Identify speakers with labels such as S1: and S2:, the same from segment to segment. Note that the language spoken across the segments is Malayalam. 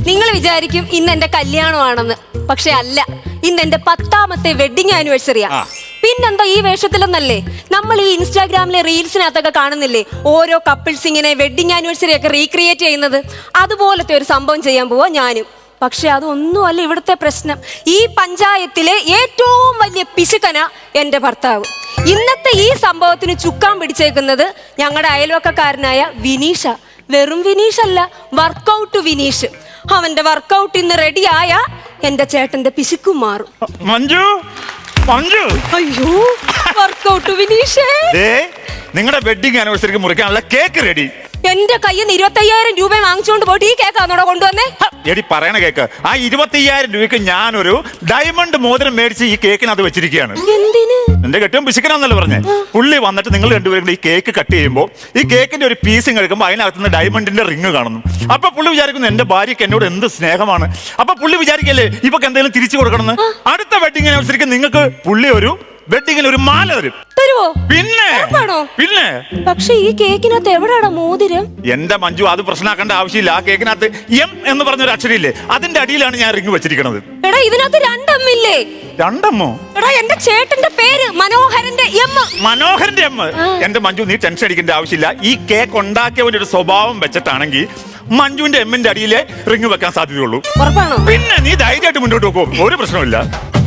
S1: നിങ്ങൾ വിചാരിക്കും ഇന്ന് എന്റെ കല്യാണമാണെന്ന്, പക്ഷെ അല്ല. ഇന്ന് എന്റെ 10ാമത്തെ വെഡിങ് ആനിവേഴ്സറിയാ. പിന്നെന്താ ഈ വേഷത്തിലൊന്നല്ലേ? നമ്മൾ ഈ ഇൻസ്റ്റാഗ്രാമിലെ റീൽസിനകത്തൊക്കെ കാണുന്നില്ലേ ഓരോ കപ്പിൾസ് ഇങ്ങനെ വെഡിങ് ആനിവേഴ്സറി ഒക്കെ റീക്രിയേറ്റ് ചെയ്യുന്നത്? അതുപോലത്തെ ഒരു സംഭവം ചെയ്യാൻ പോവാ ഞാനും. പക്ഷെ അതൊന്നുമല്ല ഇവിടുത്തെ പ്രശ്നം. ഈ പഞ്ചായത്തിലെ ഏറ്റവും വലിയ പിശുക്കന എന്റെ ഭർത്താവ്. ഇന്നത്തെ ഈ സംഭവത്തിന് ചുക്കാൻ പിടിച്ചേക്കുന്നത് ഞങ്ങളുടെ അയൽവക്കക്കാരനായ വിനീഷ. വെറും വിനീഷ് അല്ല, വർക്കൗട്ട് വിനീഷ്. അവന്റെ വർക്കൗട്ട് ഇന്ന് റെഡിയായ എന്റെ ചേട്ടന്റെ പിശുക്കും മാറും.
S2: മഞ്ജു, മഞ്ജു,
S1: അയ്യോ വർക്കൗട്ട് വിനീഷേ,
S2: നിങ്ങളുടെ വെഡിങ് ആനിവേഴ്സറിക്ക് മുറിക്കാനുള്ള കേക്ക് റെഡി.
S1: എന്റെ കയ്യിൽ നിന്ന് 25,000 രൂപ വാങ്ങിച്ചുകൊണ്ട് പോയിട്ട് ഈ കേക്കാന്നോടെ കൊണ്ടുവന്നേ?
S2: എടി പറയണ കേക്ക്. ആ 25,000 രൂപയ്ക്ക് ഞാനൊരു ഡയമണ്ട് മോതിരം മേടിച്ച് ഈ കേക്കിനകത്ത് വെച്ചിരിക്കുകയാണ്.
S1: എന്തിന്?
S2: എന്റെ കെട്ടിയും പിശുക്കനാന്നല്ലേ പറഞ്ഞേ. പുള്ളി വന്നിട്ട് നിങ്ങൾ രണ്ടുപേരും ഈ കേക്ക് കട്ട് ചെയ്യുമ്പോൾ ഈ കേക്കിന്റെ ഒരു പീസും കഴിക്കുമ്പോൾ അതിനകത്തുനിന്ന് ഡയമണ്ടിന്റെ റിങ് കാണുന്നു. അപ്പൊ പുള്ളി വിചാരിക്കുന്നു എന്റെ ഭാര്യയ്ക്ക് എന്നോട് എന്ത് സ്നേഹമാണ്. അപ്പൊ പുള്ളി വിചാരിക്കല്ലേ ഇവക്ക് എന്തെങ്കിലും തിരിച്ചു കൊടുക്കണമെന്ന്. അടുത്ത വെഡിങ് ആനിവേഴ്സറിക്ക് നിങ്ങൾക്ക് പുള്ളി ഒരു വെഡിങ്ങിന് ഒരു മാല തരും.
S1: തരുവോ?
S2: പിന്നെ പിന്നെ.
S1: പക്ഷെ ഈ കേക്കിനകത്ത് എവിടെയാണ് മോതിരം?
S2: എന്റെ മഞ്ജു, അത് പ്രശ്നമാക്കേണ്ട ആവശ്യമില്ല. ആ കേക്കിനകത്ത് എം എന്ന് പറഞ്ഞൊരു അക്ഷരമില്ലേ, അതിന്റെ അടിയിലാണ് ഞാൻ റിങ് വെച്ചിരിക്കുന്നത്.
S1: എടാ ഇതിനകത്ത് 2 എം ഇല്ലേ?
S2: 2 എമ്മോ?
S1: എടാ എന്റെ ചേട്ടന്റെ പേര് മനോഹരന്റെ എം.
S2: മനോഹരന്റെ എം. എന്റെ മഞ്ജു, നീ ടെൻഷൻ അടിക്കേണ്ട ആവശ്യമില്ല. ഈ കേക്ക് ഉണ്ടാക്കിയവന്റെ ഒരു സ്വഭാവം വെച്ചിട്ടാണെങ്കിൽ മഞ്ജുവിന്റെ എമ്മിന്റെ അടിയിലെ റിങ് വെക്കാൻ സാധ്യതയുള്ളൂ.
S1: ഉറപ്പാണോ?
S2: പിന്നെ നീ ധൈര്യമായിട്ട് മുന്നോട്ട് പോകും, ഒരു പ്രശ്നമില്ല.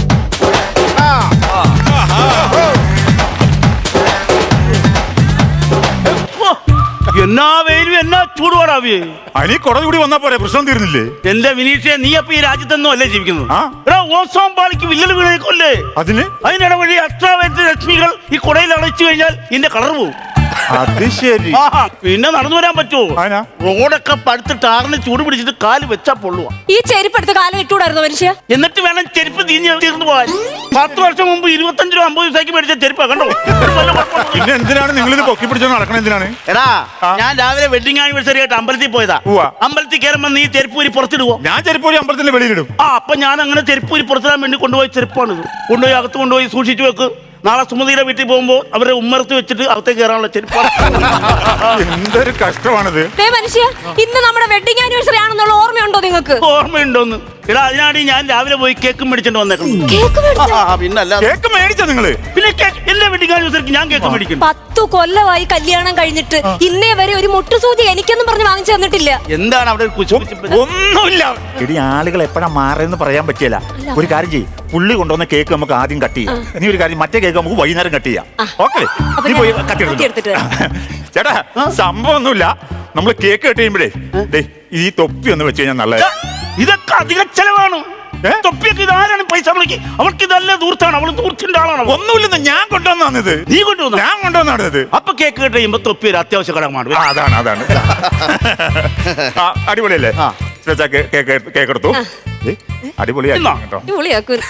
S3: എന്നാ വെയിലും എന്നാ ചൂടുപാടാവേ.
S2: അനി കുട കൂടി വന്നാ പോരെ, പ്രശ്നം തീർന്നില്ലേ?
S3: എന്റെ വിനീഷേ, നീ അപ്പൊ ഈ രാജ്യത്തൊന്നും അല്ലേ ജീവിക്കുന്നത്?
S2: ആ.
S3: ഓസോൺ പാളിക്ക് വില്ലൽ വീണേക്കല്ലേ? അതിനിടവഴി അൾട്രാവയലറ്റ് രശ്മികൾ ഈ കുടയിൽ അടച്ചു കഴിഞ്ഞാൽ ഇതിന്റെ കളർ പോകും.
S2: അത് ശരി.
S3: പിന്നെ നടന്നു വരാൻ പറ്റുമോ? റോഡൊക്കെ പടുത്ത് ടാറിന് ചൂട് പിടിച്ചിട്ട് കാല് വെച്ചാ പൊള്ളുവാ.
S1: ഈ ചെരുപ്പ് എടുത്ത് കാലം ഇട്ടുകൂടായിരുന്നു മനുഷ്യ?
S3: എന്നിട്ട് വേണം ചെരുപ്പ് തീർന്നു പോകാൻ. 10 വർഷം മുമ്പ് 25 രൂപ 50 പൈസക്ക് മേടിച്ച ചെരുപ്പാ, കണ്ടോ?
S2: പിന്നെ എന്തിനാണ് നിങ്ങൾ ഇത് പൊക്കി പിടിച്ചോ നടക്കണം? എന്തിനാണ്?
S3: എടാ, ഞാൻ രാവിലെ വെഡിങ് ആനിവേഴ്സറി ആയിട്ട് അമ്പലത്തിൽ പോയതാ. അമ്പലത്തിൽ കയറുമ്പോ നീ ചെരുപ്പൂരി പുറത്തിടുവോ?
S2: ഞാൻ ചെരുപ്പൂരി അമ്പലത്തിന്റെ വെളിയിലിടും.
S3: അപ്പൊ ഞാൻ അങ്ങനെ ചെരുപ്പൂരി പുറത്തിടാൻ വേണ്ടി കൊണ്ടുപോയി ചെരുപ്പാണിത്. കൊണ്ടുപോയി അകത്ത് കൊണ്ടുപോയി സൂക്ഷിച്ചു വെക്ക്. നാളെ സുമതിയുടെ വീട്ടിൽ പോകുമ്പോ അവരെ ഉമ്മർത്ത് വെച്ചിട്ട് അകത്തേക്ക് കയറാനുള്ള ചെരുപ്പാണ്.
S2: എന്തൊരു കഷ്ടമാണിത്.
S1: മനുഷ്യ, ഇന്ന് നമ്മുടെ വെഡിങ് ആനിവേഴ്സറി ആണെന്നുള്ള ഓർമ്മയുണ്ടോ നിങ്ങൾക്ക്?
S3: ഓർമ്മയുണ്ടോന്ന്? എടാ, അതിനാണ് ഞാൻ രാവിലെ പോയി കേക്ക് മേടിച്ചോണ്ട് വന്നേക്കുന്നത്. പിന്നല്ല
S2: കേക്ക് മേടിച്ചോ നിങ്ങള്?
S3: പിന്നെ എല്ലാ വെഡിങ് ആനിവേഴ്സറിക്ക് ഞാൻ കേക്ക് മേടിക്കുന്നു.
S1: 10 കൊല്ലമായി കല്യാണം കഴിഞ്ഞിട്ട് ഇന്നേ വരെ ഒരു മുട്ടുസൂചി എനിക്കൊന്നും പറഞ്ഞ് വാങ്ങിച്ചു തന്നിട്ടില്ല.
S3: എന്താണ് അവിടെ?
S2: ഒന്നുമില്ല. എടി, ആളുകൾ എപ്പോഴാ മാറിയെന്ന് പറയാൻ പറ്റില്ല. ഒരു കാര്യം ചെയ്യും, പുള്ളി കൊണ്ടുവന്ന കേക്ക് നമുക്ക് ആദ്യം കട്ട് ചെയ്യാം. നീ ഒരു കാര്യം, മറ്റേ കേക്ക് നമുക്ക് വൈകുന്നേരം കട്ട് ചെയ്യാം. ഓക്കെ, നീ പോയി കട്ട് എടുത്തിട്ട്. ചേട്ടാ, സംഭവം ഒന്നുമില്ല. നമ്മൾ കേക്ക് കട്ട് ചെയ്യുമ്പോഴേ ഈ തൊപ്പി ഒന്ന് വെച്ച് കഴിഞ്ഞാൽ നല്ലത്.
S3: ഇതൊക്കെ അധിക ചെലവാണ്. തൊപ്പിയൊക്കെ ഇതാരാണ് പൈസ വിളിക്ക്? അവൾക്ക് ഇതല്ലേ ദൂർത്താണ്, അവള് ദൂർത്തിന്റെ ആളാണ്.
S2: ഒന്നുമില്ലെന്ന് ഞാൻ കൊണ്ടുവന്നത്.
S3: നീ കൊണ്ടുവന്ന?
S2: ഞാൻ കൊണ്ടുവന്നത്.
S3: അപ്പൊ കേക്ക് കട്ട് ചെയ്യുമ്പോ തൊപ്പി ഒരു അത്യാവശ്യ ഘടകമാണ്.
S2: അതാണ്. അടിപൊളിയല്ലേ? കേക്ക് എടുത്തു.
S1: അടിപൊളിയാക്കും.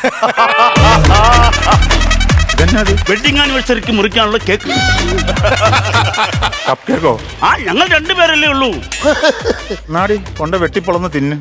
S3: വെഡിങ് ആനിവേഴ്സറിക്ക് മുറിക്കാനുള്ള കേക്ക്.
S2: കപ്പ് കേക്കോ?
S3: ഞങ്ങൾ 2 പേരല്ലേ ഉള്ളൂ.
S2: നാടി കൊണ്ട് വെട്ടിപ്പൊളന്ന് തിന്ന്.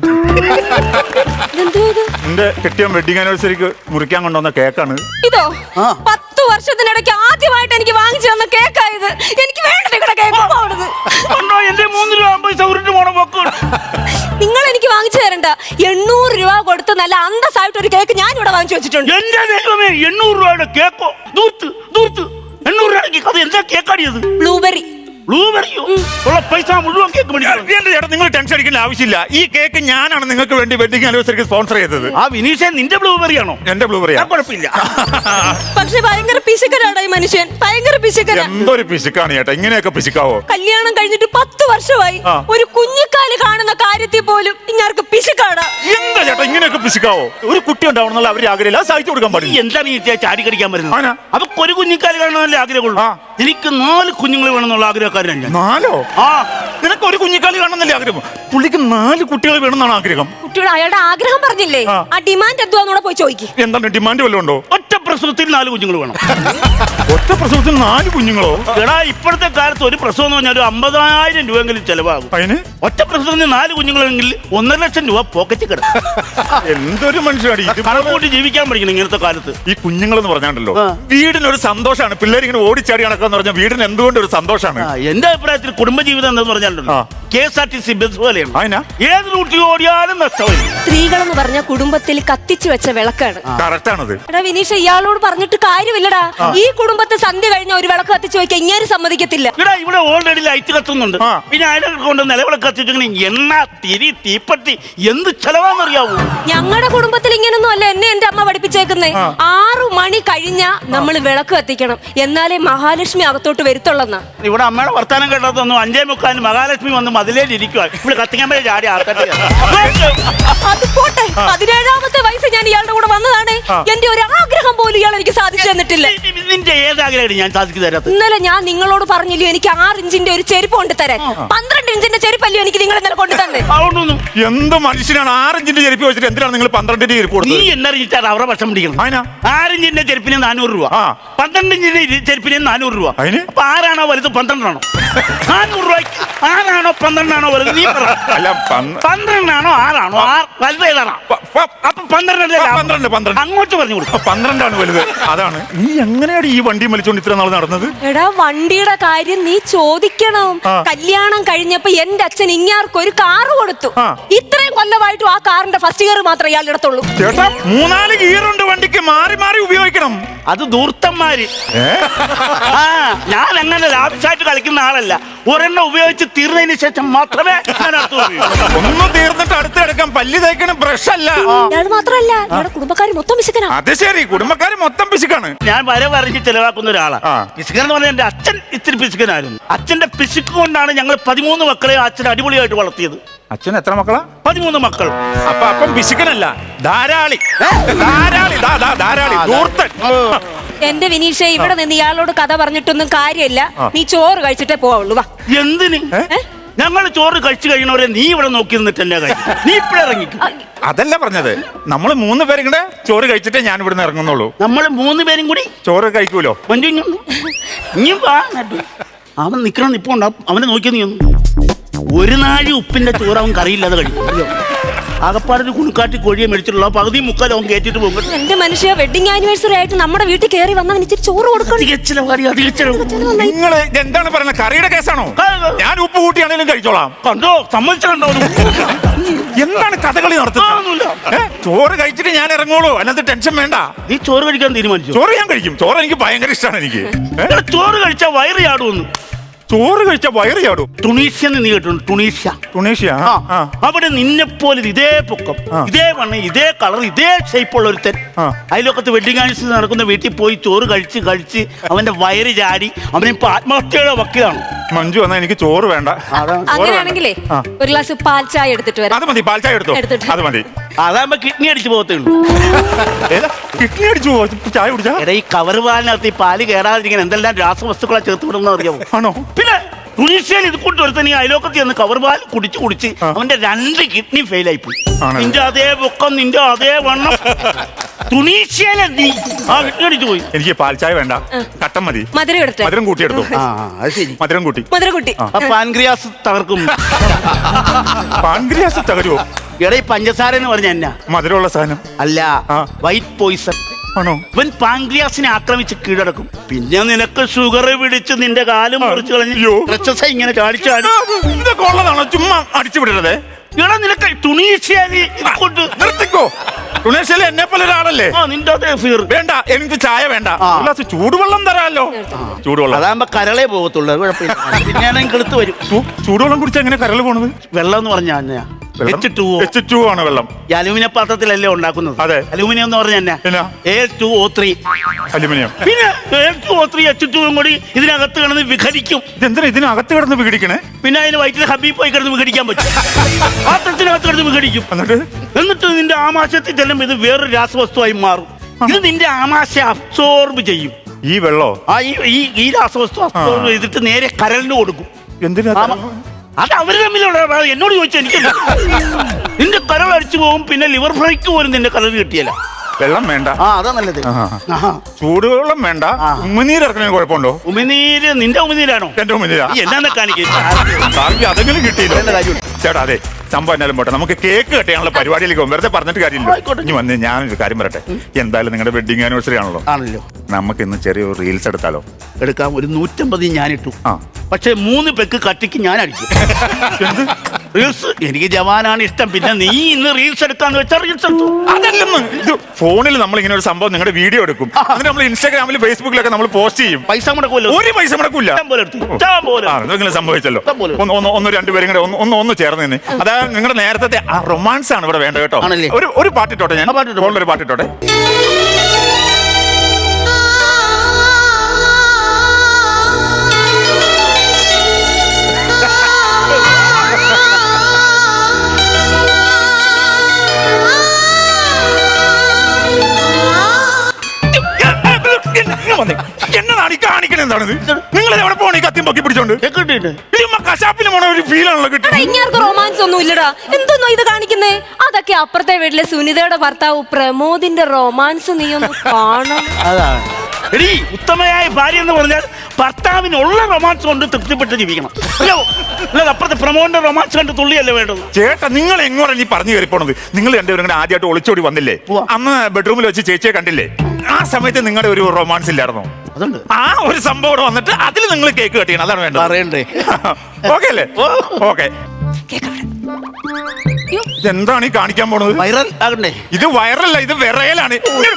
S2: എന്റെ കെട്ടിയൻ വെഡിങ് ആനിവേഴ്സറിക്ക് മുറിക്കാൻ കൊണ്ടുവന്ന കേക്കാണ്
S1: ഇതോ. 10 വർഷത്തിനിടയ്ക്ക് ആദ്യമായിട്ട് എനിക്ക് വാങ്ങിച്ചു തന്ന കേക്കായത്. എനിക്ക് വേണ്ട നിങ്ങളുടെ കേക്ക്.
S3: എന്റെ 3 രൂപ 50 പൈസ ഉരുട്ട് പോണ പോക്ക്.
S1: നിങ്ങൾ എനിക്ക് വാങ്ങിച്ചു തരണ്ട. 800 രൂപ കൊടുത്ത് നല്ല അന്തസ്സായിട്ട് ഒരു കേക്ക് ഞാൻ ഇവിടെ വാങ്ങിച്ചു വെച്ചിട്ടുണ്ട്.
S3: എന്റെ ദൈവമേ, 800 രൂപയുടെ കേക്കോ? 800 രൂപയ്ക്ക് അത് എന്താ കേക്കാടിയത്?
S1: ബ്ലൂബെറി.
S3: ബ്ലൂബെറിയോ? ഉള്ള പൈസ മുഴുവൻ കേക്ക് മേടിക്കണം.
S2: ചേട്ടാ, നിങ്ങൾ ടെൻഷൻ അടിക്കേണ്ട ആവശ്യമില്ല. ഈ കേക്ക് ഞാനാണ് നിങ്ങൾക്ക് വേണ്ടി വെഡിങ് ആനിവേഴ്സറിക്ക് സ്പോൺസർ ചെയ്തത്.
S3: ആ വിനീഷേ, നിന്റെ ബ്ലൂബെറി ആണോ?
S2: എന്റെ ബ്ലൂബെറിയാ.
S3: കുഴപ്പമില്ല.
S1: പക്ഷെ ഭയങ്കര പിശുക്കനാണ് ഈ മനുഷ്യൻ. ഭയങ്കര പിശുക്കനാ.
S2: എന്തൊരു പിശുക്കാണ് ചേട്ടാ, ഇങ്ങനെയൊക്കെ പിശുക്കാവോ?
S1: കല്യാണം കഴിഞ്ഞിട്ട് 10 വർഷമായി. ഒരു കുഞ്ഞിക്കാല് കാണുന്ന കാര്യത്തിൽ പോലും ഇങ്ങാർക്ക് പിശുക്കാണ്.
S2: എന്താ ചേട്ടാ ഇങ്ങനെയൊക്കെ പിശുക്കാവോ? ഒരു കുട്ടി ഉണ്ടാവണമെന്നുള്ള അവര് ആഗ്രഹമില്ല, സഹായിച്ചു കൊടുക്കാൻ പാടില്ല.
S3: എന്താ നീ ചാടി കടിക്കാൻ വരുന്നത്? അപ്പൊ ഒരു കുഞ്ഞിക്കാല് കാണണമെന്നല്ലേ ആഗ്രഹമുള്ളൂ. എനിക്ക് 4 കുഞ്ഞുങ്ങൾ വേണമെന്നുള്ള ആഗ്രഹക്കാരൻ ഞാൻ.
S2: 4? നിനക്ക് ഒരു കുഞ്ഞിക്കാലി കാണുന്നല്ലേ ആഗ്രഹം? പുള്ളിക്ക് 4 കുട്ടികൾ വേണമെന്നാണ് ആഗ്രഹം.
S1: കുട്ടിയോട് അയാളുടെ ആഗ്രഹം പറഞ്ഞില്ലേ? ആ ഡിമാൻഡ് എന്തുവാന്നൂടെ പോയി ചോദിക്കും.
S2: എന്താണ് ഡിമാൻഡ് വല്ലതും ഉണ്ടോ?
S3: ഒറ്റ പ്രസവത്തിൽ 4 കുഞ്ഞുങ്ങൾ വേണം.
S2: ഒറ്റ പ്രസവത്തിൽ 4 കുഞ്ഞുങ്ങളോ?
S3: എടാ ഇപ്പോഴത്തെ കാലത്ത് ഒരു പ്രസവം എന്ന് പറഞ്ഞാൽ ഒരു 50,000 രൂപയെങ്കിലും ചെലവാകും.
S2: അതിന്
S3: ഒറ്റ പ്രസവത്തിന് 4 കുഞ്ഞുങ്ങളെങ്കിൽ 1.5 ലക്ഷം രൂപ പോക്കറ്റ് കിടക്കും.
S2: എന്തൊരു മനുഷ്യനാണ് ഇത്.
S3: കണക്കൂട്ടി ജീവിക്കാൻ പഠിക്കണം ഇങ്ങനത്തെ കാലത്ത്.
S2: ഈ കുഞ്ഞുങ്ങൾ എന്ന് പറഞ്ഞാണ്ടല്ലോ,
S3: ആ.
S2: വീടിനൊരു സന്തോഷമാണ്. പിള്ളേർ ഇങ്ങനെ ഓടിച്ചാടി നടക്കാന്ന് പറഞ്ഞാൽ വീടിന് എന്തുകൊണ്ട് ഒരു സന്തോഷമാണ്.
S3: എന്റെ അഭിപ്രായത്തിൽ കുടുംബജീവിതം എന്ന് പറഞ്ഞാലുണ്ടല്ലോ
S2: ആ.
S3: KSRTC ബസ് പോലെയാണ്.
S2: അതിനാ
S3: ഏത് റൂട്ടിൽ ഓടിയാലും നഷ്ടമില്ല.
S1: സ്ത്രീകളെന്ന് പറഞ്ഞ കുടുംബത്തിൽ കത്തിച്ചു വെച്ച വിളക്കാണ്.
S2: കറക്റ്റ് ആണത്.
S1: എടാ വിനീഷ്, ഇയാളോട് പറഞ്ഞിട്ട് കാര്യമില്ലടാ. ഈ കുടുംബത്തെ സന്ധ്യ കഴിഞ്ഞ ഒരു വിളക്ക് കത്തിച്ചു വെക്കാൻ ഇങ്ങനെ സമ്മതിക്കത്തില്ല.
S3: ഇവിടെ ഇവിടെ ഓൾറെഡി ലൈറ്റ് കത്തുന്നുണ്ട്.
S2: ആ.
S3: പിന്നെ അതിനൊക്കെ കൊണ്ട് നിലവിളക്ക് കത്തിച്ചിങ്ങനെ എണ്ണ തിരി തീപ്പട്ടി എന്ത് ചെലവാന്നറിയാവൂ.
S1: ഞങ്ങളുടെ കുടുംബത്തിൽ ഇങ്ങനൊന്നും അല്ല എന്നെ എന്റെ അമ്മ പഠിപ്പിച്ചേക്കുന്നേ. 6 മണി കഴിഞ്ഞാ നമ്മൾ വിളക്ക് കത്തിക്കണം, എന്നാലേ മഹാലക്ഷ്മി അകത്തോട്ട് വരുത്തുള്ളെന്നാ.
S3: ഇവിടെ അമ്മയുടെ വർത്താനം കേട്ടതൊന്നും 5:45 മഹാലക്ഷ്മി വന്ന് മതിലേലിരിക്കുക. ഇവിടെ കത്തിക്കാൻ പറ്റിയ ചാടി ആൾക്കാർ.
S1: അത് പോട്ടെ, 17ാമത്തെ വയസ്സ് ഞാൻ ഇയാളുടെ കൂടെ വന്നതാണ്. എന്റെ ഒരു ആഗ്രഹം പോലും ഇയാൾ എനിക്ക് സാധിച്ചു തന്നിട്ടില്ല.
S3: നിന്റെ ഏതാഗ്രഹം ഞാൻ സാധിച്ചു തരാത്ത?
S1: ഇന്നലെ ഞാൻ നിങ്ങളോട് പറഞ്ഞില്ലോ എനിക്ക് 6 ഇഞ്ചിന്റെ ഒരു ചെരുപ്പ് കൊണ്ട് തരാൻ. 12 ഇഞ്ചിന്റെ ചെരുപ്പല്ലോ എനിക്ക് നിങ്ങൾ ഇന്നലെ കൊണ്ടു തന്നെ.
S3: അതുകൊണ്ടൊന്നും
S2: എന്ത് മനുഷ്യനാണ് 6 ഇഞ്ചിന്റെ ചെരുപ്പ് വെച്ചിട്ട് എന്തിനാണ് നിങ്ങൾ 12 ചെരുപ്പ്
S3: നീ
S2: കൊടുത്തത്?
S3: എന്നറിയിച്ചാൽ അവരെ ഭക്ഷണം പിടിക്കണം.
S2: അതിനാ
S3: 6 ഇഞ്ചിന്റെ ചെരുപ്പിന് 400 രൂപ,
S2: ആ.
S3: 12 ഇഞ്ചിന്റെ ചെരുപ്പിന് 400 രൂപ.
S2: അതിന്?
S3: അപ്പൊ 6 വലുത് 12 ആണോ? 400 രൂപയ്ക്ക് 6 12 വലുത്? നീ പറ.
S2: അല്ല
S3: 12 6 വലുത് ഏതാണോ? അപ്പൊ 12 അങ്ങോട്ട് പറഞ്ഞു കൊടുക്കും.
S2: 12 വലുത്. അതാണ്. നീ എങ്ങനെയാണ് ഈ വണ്ടി വലിച്ചോണ്ട് ഇത്ര നാൾ നടന്നത്?
S1: എടാ വണ്ടിയുടെ കാര്യം നീ ചോദിക്കണം.
S2: ആ.
S1: കല്യാണം കഴിഞ്ഞപ്പോ എന്റെ അച്ഛൻ ഇങ്ങാർക്കൊരു കാറ് കൊടുത്തു.
S2: ആ.
S1: ഇത്രയും കൊല്ലമായിട്ടും ആ കാറിന്റെ ഫസ്റ്റ് ഗിയർ മാത്രമേ ഇയാളുടെ അടുത്തുള്ളൂ.
S2: ചേട്ടാ 3-4 ഗിയറുണ്ട് വണ്ടിക്ക്, മാറി മാറി ഉപയോഗിക്കണം.
S3: അത് ദൂർത്തന്മാര്. ആ ഞാൻ അങ്ങനെ ലാഭിച്ചായിട്ട് കളിക്കുന്ന ആളല്ല. ഒരെണ്ണം ഉപയോഗിച്ച് തീർന്നതിന് ശേഷം മാത്രമേ ഞാൻ അടുത്ത് ഉപയോഗിക്കൂ.
S2: ഒന്ന് തീർന്നിട്ട് അടുത്ത് കിടക്കാൻ പല്ല് തേക്കണം, ബ്രഷ് അല്ല.
S1: ഇയാൾ മാത്രമല്ല, ഇയാളുടെ കുടുംബക്കാർ മൊത്തം വിശക്കനാ.
S2: അത് ശരി, കുടുംബക്കാര് മൊത്തം പിശുക്കാണ്.
S3: ഞാൻ വരവറിഞ്ഞ് ചെലവാക്കുന്ന ഒരാളാണ്.
S2: ആ.
S3: പിശുക്കൻ എന്ന് പറഞ്ഞാൽ എന്റെ അച്ഛൻ ഇത്തിരി പിശുക്കനായിരുന്നു. അച്ഛന്റെ പിശുക്ക് കൊണ്ടാണ് ഞങ്ങൾ 13 മക്കളെ അച്ഛൻ അടിപൊളിയായിട്ട് വളർത്തിയത്.
S2: അച്ഛൻ എത്ര മക്കളാ?
S3: 13 മക്കൾ.
S2: അപ്പം പിശുക്കനല്ല, ധാരാളി. ധാരാളി, ധാരാളി, ധൂർത്തൻ.
S1: എന്റെ വിനീഷേ, ഇവിടെ നിന്ന് ഇയാളോട് കഥ പറഞ്ഞിട്ടൊന്നും കാര്യമില്ല. നീ ചോറ് കഴിച്ചിട്ടേ പോവുള്ളൂ. വാ.
S3: എന്തിന്?
S1: ഏ?
S3: ഞങ്ങൾ ചോറ് കഴിച്ചു കഴിയണവരെ നീ ഇവിടെ നോക്കി നിന്നിട്ട് എന്നെ കഴിക്കും. നീ ഇപ്പഴിറങ്ങിക്കും.
S2: അതല്ല പറഞ്ഞത്, നമ്മൾ 3 പേരും കൂടെ ചോറ് കഴിച്ചിട്ടേ ഞാൻ ഇവിടുന്ന് ഇറങ്ങുന്നുള്ളൂ.
S3: നമ്മൾ 3 പേരും കൂടി
S2: ചോറ് കഴിക്കൂലോ?
S3: ഇനി വാ നട്ടു. അവൻ നിക്കണം നിപ്പുണ്ടാവും. അവനെ നോക്കി നീ ഒന്നും ഒരു നാഴി ഉപ്പിന്റെ ചോറ് അവൻ കറിയില്ലാതെ കഴിക്കും. ആകപ്പാടൊരു കുണുക്കാട്ടി കോഴിയെ മേടിച്ചിട്ടുള്ള പകുതി മുക്കാൽ അവൻ കയറ്റിട്ട് പോകും.
S1: എന്റെ മനുഷ്യ, വെഡിങ് ആനിവേഴ്സറി ആയിട്ട് നമ്മുടെ വീട്ടിൽ കയറി വന്നവൻ ഇച്ചിരി ചോറ് കൊടുക്കണം.
S2: നിങ്ങൾ എന്താണ് പറയുന്നത്? കറിയുടെ കേസാണോ? ഞാൻ ഉപ്പ് കൂട്ടിയാണെങ്കിലും കഴിച്ചോളാം.
S3: കണ്ടോ, സമ്മതിച്ചോ?
S2: എന്താണ് കഥകളി നടത്തുന്നത്? ചോറ് കഴിച്ചിട്ട് ഞാൻ ഇറങ്ങുള്ളൂ, അതിനകത്ത് ടെൻഷൻ വേണ്ട.
S3: നീ ചോറ് കഴിക്കാൻ തീരുമാനിച്ചു?
S2: ചോറ് ഞാൻ കഴിക്കും. ചോറ് എനിക്ക് ഭയങ്കര ഇഷ്ടമാണ്. എനിക്ക്
S3: ചോറ് കഴിച്ചാൽ വയറ് ചാടുമെന്ന്.
S2: ചോറ് കഴിച്ചാൽ വയറ് ചാടും.
S3: ടുണീഷ്യ നീ കേട്ടുണ്ട്?
S2: ടുണീഷ്യ.
S3: അവിടെ നിന്നെപ്പോലെ ഇതേ പൊക്കം, ഇതേ വണ്ണം, ഇതേ കളർ, ഇതേ ഷേപ്പുള്ള ഒരുത്തൻ അയൽവക്കത്ത് വെഡിങ് ആനിവേഴ്സറി നടക്കുന്ന വീട്ടിൽ പോയി ചോറ് കഴിച്ച് അവന്റെ വയറ് ചാടി അവനിപ്പോ ആത്മഹത്യയുടെ വക്കിലാണ്.
S2: മഞ്ജു എന്നാ എനിക്ക് ചോറ് വേണ്ട.
S1: അങ്ങനെയാണെങ്കിലേ ഒരു ഗ്ലാസ് പാൽ ചായ എടുത്തിട്ട് വരാം.
S2: അത് മതി, പാൽ ചായ എടുത്തോ. അത് മതി.
S3: അതാകുമ്പോ കിഡ്നി അടിച്ചു പോകത്തേ ഉള്ളൂ.
S2: കിഡ്നി അടിച്ചു പോവാ ചായ കുടിച്ചാ?
S3: എടാ ഈ കവർ പാലിനകത്ത് ഈ പാല് കയറാതിരിക്കാൻ എന്തെല്ലാം രാസവസ്തുക്കളെ ചേർത്ത് വിടുന്ന അറിയാമോ?
S2: ആണോ? പിന്നെ
S3: ടുണീഷ്യയിൽ ഇത് കൊണ്ട് ഒരുത്തൻ ഈ അയലോക്കത്ത് ചെന്ന് കവർ പാൽ കുടിച്ച് അവന്റെ 2 കിഡ്നി ഫെയിൽ ആയിപ്പോയി. നിന്റെ അതേ പൊക്കം, നിന്റെ അതേ വണ്ണം, ടുണീഷ്യയിലെ നീ ആ കിഡ്നി അടിച്ചു പോയി.
S2: എനിക്ക് പാൽ ചായ വേണ്ട, കട്ടൻ മതി.
S1: മധുരം എടുത്തേ.
S2: മധുരം കൂട്ടി എടുത്തു.
S3: അത് ശരി,
S2: മധുരം കൂട്ടി.
S1: മധുരം കൂട്ടി.
S3: പാൻക്രിയാസ് തകർക്കും.
S2: പാൻക്രിയാസ് തകരുവോ?
S3: എടാ ഈ പഞ്ചസാര എന്ന് പറഞ്ഞ എന്നാ?
S2: മധുരമുള്ള സാധനം
S3: അല്ല, വൈറ്റ് പോയിസൺ
S2: ആണോ?
S3: ഇവൻ പാൻക്രിയാസിനെ ആക്രമിച്ച് കീഴടക്കും. പിന്നെ നിനക്ക് ഷുഗർ പിടിച്ച് നിന്റെ കാലും മുറിച്ച് കളഞ്ഞു എക്സസൈസ് ഇങ്ങനെ ചാടിച്ചാടി.
S2: ഇതൊക്കെ ഉള്ളതാണോ? ചുമ്മാ അടിച്ചു വിടരുതേ.
S3: എടാ നിനക്ക് ടുണീഷ്യയിൽ കൊണ്ട്
S2: നിർത്തിക്കോ. ടുണീഷ്യയിൽ എന്നെ പോലെ ഒരാളല്ലേ?
S3: നിന്റെ അതേ ഫീർ
S2: വേണ്ട, എനിക്ക് ചായ വേണ്ട. ചൂടുവെള്ളം തരാമല്ലോ. ചൂടുവെള്ളം
S3: അതാകുമ്പോ കരളേ പോകത്തുള്ളൂ, കുഴപ്പമില്ല. പിന്നെ കെളുത്ത് വരും.
S2: ചൂടുവെള്ളം കുടിച്ചാൽ എങ്ങനെ കരൾ പോണത്?
S3: വെള്ളം എന്ന് പറഞ്ഞാ
S2: H2O ആണ് വെള്ളം.
S3: ഈ അലൂമിനിയം പാത്രത്തിലല്ലേ ഉണ്ടാക്കുന്നത്?
S2: അതെ.
S3: അലൂമിനിയം എന്ന് പറഞ്ഞ A2O3
S2: അലുമിനിയം.
S3: പിന്നെ A2O3 H2O കൂടി ഇതിനകത്ത് കിടന്ന് വിഘടിക്കും.
S2: ഇതെന്തിനാ ഇതിനകത്ത് കിടന്ന് വിഘടിക്കണേ?
S3: പിന്നെ അതിന് വയറ്റിൽ ഹബീബ് പോയി കിടന്ന് വിഘടിക്കാൻ പറ്റും. പാത്രത്തിനകത്ത് കിടന്ന് വിഘടിക്കും. എന്നിട്ട് നിന്റെ ആമാശയത്തിൽ ചെല്ലുമ്പോൾ ഇത് വേറൊരു രാസവസ്തുവായി മാറും. ഇത് നിന്റെ ആമാശയം അബ്സോർബ് ചെയ്യും.
S2: ഈ വെള്ളോ?
S3: ഈ രാസവസ്തു അബ്സോർബ് ചെയ്തിട്ട് നേരെ കരളിന് കൊടുക്കും.
S2: എന്തിനാ?
S3: അത് അവര് തമ്മിലുള്ള എന്നോട് ചോദിച്ചാൽ എനിക്ക് നിന്റെ കരൾ അടിച്ചു പോകും. പിന്നെ ലിവർ ഫ്രൈക്ക് പോലും നിന്റെ കരൾ കിട്ടിയല്ല.
S2: വെള്ളം വേണ്ട.
S3: അതാ നല്ലത്.
S2: ചൂടുവെള്ളം വേണ്ട. ഉമിനീര് ഇറക്കണേ കുഴപ്പമുണ്ടോ?
S3: ഉമിനീര് നിന്റെ ഉമിനീരാണോ?
S2: എന്റെ ഉമിനീരാ.
S3: എന്നാ കാണിക്കും
S2: അതെങ്കിലും കിട്ടിയില്ല ചേട്ടാ. അതെ, സംഭവം എന്നാലും പോട്ടെ, നമുക്ക് കേക്ക് കെട്ടിയാണല്ലോ പരിപാടിയിലേക്ക് പോകും. വെറുതെ പറഞ്ഞിട്ട് കാര്യമില്ല. ഇനി വന്ന് ഞാനൊരു കാര്യം പറയട്ടെ. എന്തായാലും നിങ്ങളുടെ വെഡിങ് ആനിവേഴ്സറി ആണല്ലോ. നമുക്ക് ഇന്ന് ചെറിയൊരു റീൽസ് എടുത്താലോ?
S3: എടുക്കാം. ഒരു 150 ഞാനിട്ടു. പക്ഷെ 3 പെക്ക് കട്ടിക്ക് ഞാൻ അടിക്കും. റീൽസ് എനിക്ക് ജവാനാണ് ഇഷ്ടം. പിന്നെ നീ ഇന്ന് റീൽസ് എടുക്കാന്ന് വെച്ചാൽ റീൽസ് എടുത്തു.
S2: അതല്ലെന്ന്, ഇത് ഫോണിൽ നമ്മൾ ഇങ്ങനെ ഒരു സംഭവം നിങ്ങളുടെ വീഡിയോ എടുക്കും. അതിന് നമ്മൾ ഇൻസ്റ്റാഗ്രാമിൽ ഫേസ്ബുക്കിലൊക്കെ നമ്മൾ പോസ്റ്റ് ചെയ്യും.
S3: പൈസ മുടക്കുമല്ലോ.
S2: ഒരു പൈസ മുടക്കില്ല. എന്തെങ്കിലും സംഭവിച്ചല്ലോ. ഒന്ന് രണ്ടുപേരും കൂടെ ഒന്ന് ചേർന്ന് തന്നെ. അതായത് നിങ്ങളുടെ നേരത്തെ ആ റൊമാൻസ് ആണ് ഇവിടെ വേണ്ടത് കേട്ടോ. ഒരു പാട്ടിട്ടോട്ടെ, ഞാൻ ഒരു പാട്ടിട്ടോട്ടെ. എന്നതാണ് ഈ കാണിക്കണ? എന്താണിത്? നിങ്ങൾ എവിടെ പോണ ഈ കത്തിയും പൊക്കി പിടിച്ചോണ്ട്? കശാപ്പിന് പോണ ഒരു ഫീലാണല്ലോ കിട്ടും.
S1: ഇങ്ങാർക്ക് റൊമാൻസ് ഒന്നും ഇല്ലടാ. എന്തോന്നോ ഇത് കാണിക്കുന്നേ? അതൊക്കെ അപ്പുറത്തെ വീട്ടിലെ സുനിതയുടെ ഭർത്താവ് പ്രമോദിന്റെ റൊമാൻസ് നീ ഒന്ന് കാണണം.
S3: എടീ, ഉത്തമയായ ഭാര്യ എന്ന് പറഞ്ഞാൽ ഭർത്താവിനുള്ള റൊമാൻസ് കൊണ്ട് തൃപ്തിപ്പെട്ട് ജീവിക്കണം. അപ്പുറത്തെ പ്രമോദിന്റെ റൊമാൻസ് കണ്ട് തുള്ളിയല്ലേ വേണ്ടത്?
S2: ചേട്ടാ, നിങ്ങൾ എങ്ങോട്ടാ നീ പറഞ്ഞു കയറി പോണത്? നിങ്ങൾ രണ്ടുപേരും ഇങ്ങനെ ആദ്യമായിട്ട് ഒളിച്ചോടി വന്നില്ലേ? അന്ന് ബെഡ്റൂമിൽ വെച്ച് ചേച്ചിയെ കണ്ടില്ലേ? ആ സമയത്ത് നിങ്ങളുടെ ഒരു റൊമാൻസ് ഇല്ലായിരുന്നോ? ആ ഒരു സംഭവം വന്നിട്ട് അതിൽ നിങ്ങൾ കേക്ക് കട്ടിയണം. അതാണ് വേണ്ടത്.
S3: പറയണ്ടേ?
S2: ഓക്കെ അല്ലേ? ഓക്കെ. ഇതെന്താണ് ഈ കാണിക്കാൻ പോണത്?
S3: വൈറൽ ആകണ്ടേ?
S2: ഇത് വൈറലല്ല, ഇത് വിറയലാണ്.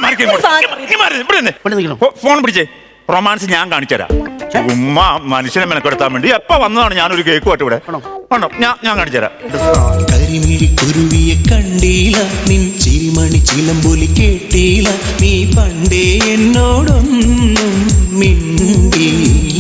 S2: ഫോൺ പിടിച്ചേ. റൊമാൻസ് ഞാൻ കാണിച്ചുതരാം. ഉമ്മ മനുഷ്യനെ മെനക്കെടുത്താൻ വേണ്ടി എപ്പ വന്നതാണ് ഞാനൊരു കേക്ക് പാട്ട് ഇവിടെ. ഞാൻ കാണിച്ചുതരാം.
S4: കരിമിഴി കുരുവിയെ കണ്ടീല, നിൻ ചിരിമണി ചിലമ്പൊലി കേട്ടീല, നീ പണ്ടേ എന്നോടൊന്നും മിണ്ടീല.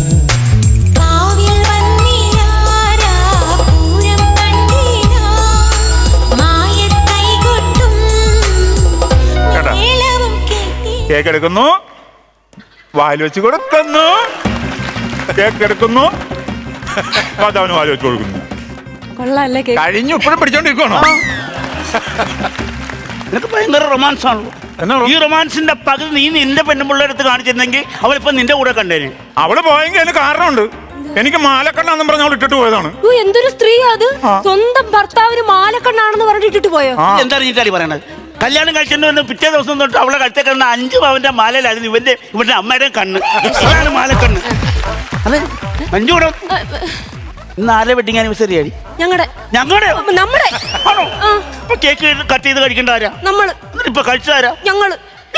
S2: കേക്ക് എടുക്കുന്നു, വായിൽ വെച്ച് കൊടുക്കുന്നു. കേക്ക് എടുക്കുന്നു, ഭർത്താവിന് വായിൽ വെച്ച് കൊടുക്കുന്നു. കഴിഞ്ഞു. ഇപ്പോഴും പിടിച്ചോണ്ടിരിക്കണോ?
S3: നിനക്ക് ഭയങ്കര റൊമാൻസ് ആണല്ലോ. ഈ റൊമാൻസിന്റെ പകുതി നീ നിന്റെ പെണ്ണുപിള്ളേരടുത്ത് കാണിച്ചിരുന്നെങ്കിൽ അവളിപ്പോ നിന്റെ കൂടെ കണ്ടേനെ.
S2: അവള് പോയെങ്കിൽ അതിന് കാരണമുണ്ട്. എനിക്ക് മാലക്കണ്ണാന്നും പറഞ്ഞ അവൾ ഇട്ടിട്ട് പോയതാണ്.
S1: എന്തൊരു സ്ത്രീ അത്! സ്വന്തം ഭർത്താവിന് മാലക്കണ്ണാണെന്ന് പറഞ്ഞിട്ട് ഇട്ടിട്ട് പോയോ?
S3: എന്താ നീ പറയണത്? കല്യാണം കഴിച്ചിട്ട് വന്ന് പിറ്റേ ദിവസം തൊട്ട് അവളെ കഴുത്തെ കിടന്ന 5 പവന്റെ മാലയിലായിരുന്നു ഇവന്റെ അമ്മയുടെ കണ്ണ്. അതാണ് മാലക്കണ്ണ്. അതെ, മഞ്ജൂടെ ഇന്ന് ആരെ വെഡിങ് ആനിവേഴ്സറി ആയി? ഞങ്ങളുടെ ആണോ? കേക്ക് കട്ട് ചെയ്ത് കഴിക്കേണ്ട ആരാ?
S1: നമ്മള്.
S3: ഇപ്പൊ കഴിച്ചാരാ?
S1: ഞങ്ങള്.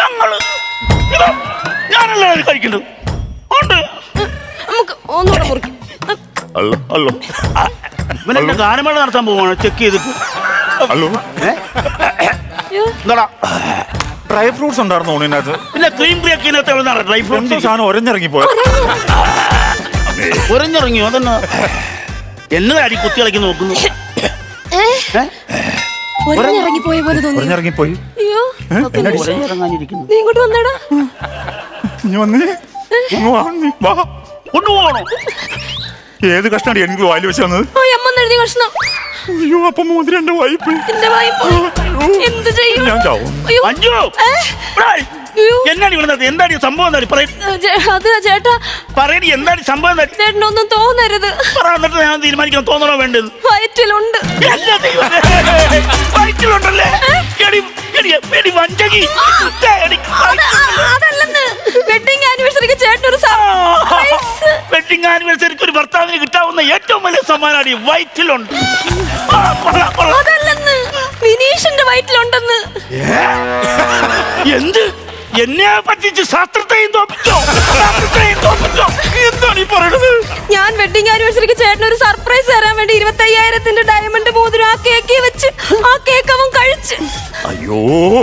S3: ഞാനല്ലേ അത് കഴിക്കണ്ടത്?
S1: നമുക്ക് ഒന്നുകൂടെ മുറിക്കും.
S3: ഇവനെ ഗാനമേള നടത്താൻ പോവാണ് ചെക്ക് ചെയ്തിട്ട്.
S2: ഡ്രൈ ഫ്രൂട്ട്സ് ഉണ്ടായിരുന്നു ഊണിനകത്ത്.
S3: പിന്നെ ക്രീം കേക്കിനകത്ത് ഡ്രൈ ഫ്രൂട്ട്സ് സാധനം
S2: ഒരഞ്ഞിറങ്ങിപ്പോയോ?
S3: ഒരഞ്ഞിറങ്ങിയോ? അതന്നെ എന്നതാടി കുത്തി കളിക്ക് നോക്കുന്നു.
S1: ഒരഞ്ഞിറങ്ങിപ്പോയ പോലെ തോന്നി.
S2: ഒരഞ്ഞിറങ്ങിപ്പോയി.
S3: ഒരഞ്ഞിറങ്ങാനിരിക്കുന്നു.
S1: നീ ഇങ്ങോട്ട് വന്നടാ.
S3: കൊണ്ടുപോകണോ?
S2: ഏത് കഷ്ണാടി എനിക്ക് വായിൽ വെച്ച് വന്നത്?
S1: എഴുതി കഷ്ണം.
S2: അയ്യോ, അപ്പൊ മോതിരം എന്റെ വായ്പ.
S1: എന്ത് ചെയ്യും?
S2: ഞാൻ ചാവും.
S3: എന്താണ് ഇവിടെ? എന്താണ് സംഭവം?
S1: അത് ചേട്ടാ
S3: പറയണി, എന്താണ് സംഭവം?
S1: ചേട്ടനൊന്നും തോന്നരുത്.
S3: എന്നിട്ട് ഞാൻ തീരുമാനിക്കണം തോന്നണോ വേണ്ടത്.
S1: വയറ്റിലുണ്ട്.
S3: വയറ്റിലുണ്ടല്ലേ?
S1: അതല്ലെന്ന്, വെഡിങ് ആനിവേഴ്സറിക്ക് ചേട്ടനൊരു
S3: വെഡിങ് ആനിവേഴ്സറിക്ക് ഒരു ഭർത്താവിന് കിട്ടാവുന്ന ഏറ്റവും വലിയ സമ്മാനമാണ് ഈ വയറ്റിലുണ്ട്.
S1: അതല്ലെന്ന്, വിനീഷിന്റെ വയറ്റിലുണ്ടെന്ന്.
S3: എന്ത്? എന്നെ പറ്റിച്ച് ശാസ്ത്രത്തെയും തോപ്പിച്ചോ? എന്താണ് ഈ പറയുന്നത്?
S1: ഞാൻ വെഡിങ് ആനിവേഴ്സറിക്ക് ചേട്ടനൊരു സർപ്രൈസ് തരാൻ വേണ്ടി 25,000 ഡയമണ്ട് മോതിരം ആ കേക്ക് വെച്ച് ആ കേക്ക് അവൻ കഴിച്ച്.
S2: അയ്യോ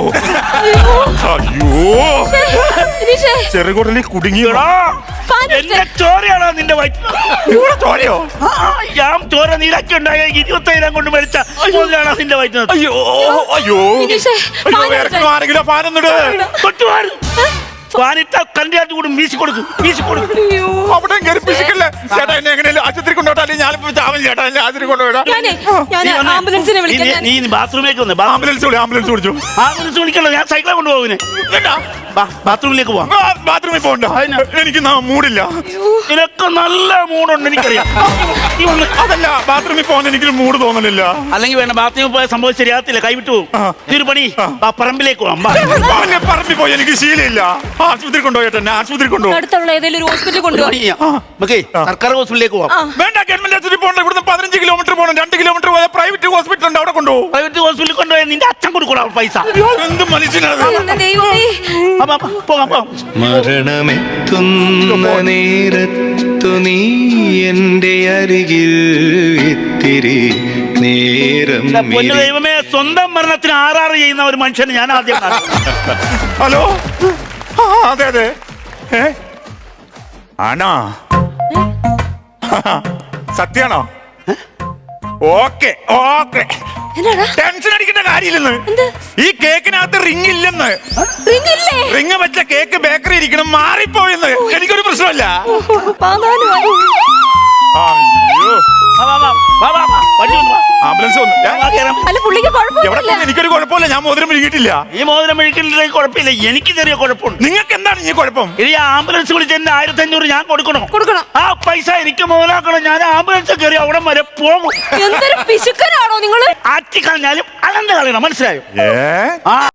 S2: ചെറുകുടലിൽ കുടുങ്ങിയോടാ.
S3: എന്റെ ചോരയാണോ നിന്റെ വയറ്റിൽ?
S2: ചോരയോ?
S3: ഞാൻ ചോര നീരാക്കി ഉണ്ടായ 25,000 കൊണ്ട് മേടിച്ച മോതിരാണോ നിന്റെ വയറ്റിൽ?
S2: അയ്യോ ആരെങ്കിലും പാനൊന്നിട്.
S3: ഫാനിട്ട കണ്ടിയാട്ട് കൂടും വീശി കൊടുക്കും
S2: അവിടെ കയറി പിശുക്കല്ലേ ചേട്ടാ, എന്നെ എങ്ങനെയാലും ആശുപത്രി കൊണ്ടുപോട്ടാ, അല്ലെങ്കിൽ ഞാനിപ്പോ ചാവൻ ചേട്ടാ, എന്നെ ആശുപത്രി കൊണ്ടുപോയിടാ.
S1: ഞാൻ ആംബുലൻസിനെ വിളിക്കാൻ.
S3: നീ ബാത്റൂമിലേക്ക് വന്നേ
S2: ആംബുലൻസ് വിളിച്ചു.
S3: ആംബുലൻസ് വിളിക്കണ്ട, ഞാൻ സൈക്കിളെ കൊണ്ടുപോകുന്നേ ബാത്റൂമിലേക്ക് പോവാം.
S2: ബാത്റൂമിൽ പോകണ്ട, എനിക്ക് മൂടില്ല.
S3: നിനക്ക് നല്ല മൂടുണ്ട് എനിക്കറിയാം. നീ വന്ന്
S2: അതല്ല, ബാത്റൂമിൽ പോകാൻ എനിക്കൊരു മൂഡ് തോന്നലില്ല.
S3: അല്ലെങ്കിൽ വേണ്ട, ബാത്റൂമിൽ പോയ സംഭവം ശരിയാകത്തില്ല, കൈവിട്ടു പോകും. ഇതൊരു പണി, പറമ്പിലേക്ക് പോവാം.
S2: പറമ്പിൽ പോയി എനിക്ക് ശീലമില്ല. ആശുപത്രി കൊണ്ടുപോയിട്ട് എന്നെ ആശുപത്രി കൊണ്ടുപോകും.
S1: അടുത്തുള്ള ഏതെങ്കിലും ഒരു ഹോസ്പിറ്റലിൽ കൊണ്ടുപോയി.
S3: നമുക്ക് സർക്കാർ ഹോസ്പിറ്റലിലേക്ക് പോവാം.
S2: വേണ്ട, ഗവൺമെന്റ് ആശുപത്രി പോകണ്ട. ഇവിടുന്ന് 15 കിലോമീറ്റർ പോകണം. 2 കിലോമീറ്റർ പോയാൽ പ്രൈവറ്റ് ഹോസ്പിറ്റൽ ഉണ്ട്, അവിടെ കൊണ്ടുപോകും.
S3: പ്രൈവറ്റ് ഹോസ്പിറ്റലിൽ കൊണ്ടുപോയി നിന്റെ അച്ഛൻ കൊടുക്കണം പൈസ.
S2: എന്ത് മനുഷ്യനാണ്.
S1: എന്റെ ദൈവമേ.
S3: പോകാം.
S4: മരണമെത്തുന്ന നേരത്തു നീ എൻ്റെ അരികിൽ ഇത്തിരി നേരം
S3: പൊന്നു ദൈവമേ, സ്വന്തം മരണത്തിന് ആറാറ് ചെയ്യുന്ന ഒരു മനുഷ്യന് ഞാൻ ആദ്യം കാണാം.
S2: ഹലോ, അതെ ആണോ? സത്യാണോ? ഓക്കെ.
S1: എന്നാടാ?
S2: ടെൻഷൻ അടിക്കേണ്ട കാര്യമില്ലെന്ന്. ഈ കേക്കിനകത്ത് റിംഗ് ഇല്ലെന്ന്. റിംഗ് വെച്ച കേക്ക് ബേക്കറി ഇരിക്കണം, മാറിപ്പോയെന്ന്. എനിക്കൊരു പ്രശ്നമല്ല. അയ്യോ, ആംബുലൻസ് വന്നു.
S1: അല്ല, പുള്ളിക്ക്
S2: എവിടെ
S1: കുഴപ്പമില്ല.
S2: പോയി? എനിക്കൊരു കുഴപ്പമില്ല, ഞാൻ മോതിരം വിഴുകിയിട്ടില്ല.
S3: ഈ മോതിരം മെഴുക്കില്ലെങ്കിൽ കുഴപ്പമില്ല, എനിക്ക് ചെറിയ കുഴപ്പമുണ്ട്.
S2: നിങ്ങൾക്ക് എന്താണ് ഈ കുഴപ്പം?
S3: ഇനി ആംബുലൻസ് വിളിച്ച് എന്റെ 1500 ഞാൻ കൊടുക്കണം. ആ പൈസ എനിക്ക് മുതലാക്കണം. ഞാൻ ആംബുലൻസ് കയറി അവിടെ വരെ പോകും.
S1: എന്തൊരു പിശുക്കനാണോ നിങ്ങള്?
S3: ആറ്റി കളഞ്ഞാലും അളന്ന് കളയണം, മനസ്സിലായോ?
S2: ഏ
S3: ആ